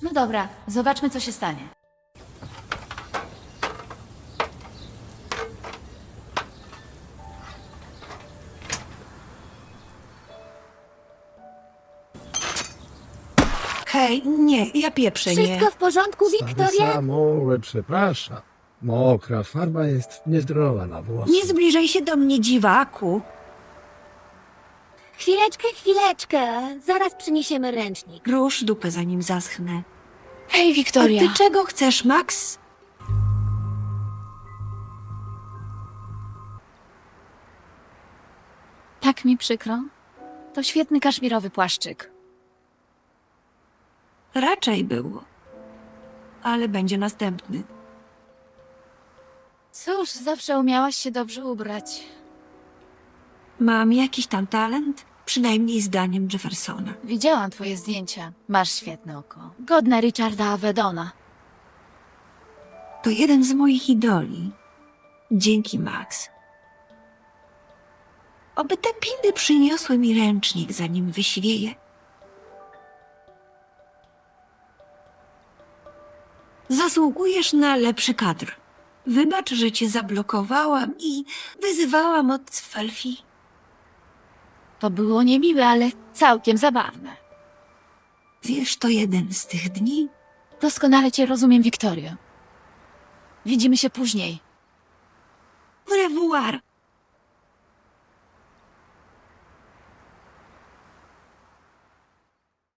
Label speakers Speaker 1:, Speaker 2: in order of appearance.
Speaker 1: No dobra, zobaczmy, co się stanie.
Speaker 2: Hej, nie, ja pieprzę, nie.
Speaker 3: Wszystko w porządku, Wiktoria?
Speaker 4: Samołę, przepraszam. Mokra farba jest niezdrowa na włosy.
Speaker 2: Nie zbliżaj się do mnie, dziwaku.
Speaker 3: Chwileczkę. Zaraz przyniesiemy ręcznik.
Speaker 2: Rusz dupę, zanim zaschnę.
Speaker 1: Hej,
Speaker 2: A
Speaker 1: Wiktoria.
Speaker 2: ty czego chcesz, Max?
Speaker 1: Tak mi przykro. To świetny kaszmirowy płaszczyk.
Speaker 2: Raczej było. Ale będzie następny.
Speaker 1: Cóż, zawsze umiałaś się dobrze ubrać.
Speaker 2: Mam jakiś tam talent? Przynajmniej zdaniem Jeffersona.
Speaker 1: Widziałam twoje zdjęcia. Masz świetne oko. Godne Richarda Avedona.
Speaker 2: To jeden z moich idoli. Dzięki, Max. Oby te pindy przyniosły mi ręcznik, zanim wyświeje. Zasługujesz na lepszy kadr. Wybacz, że cię zablokowałam i wyzywałam od Felfi.
Speaker 1: To było niemiłe, ale całkiem zabawne.
Speaker 2: Wiesz, to jeden z tych dni,
Speaker 1: Doskonale cię rozumiem, Wiktorio. Widzimy się później.
Speaker 2: au revoir.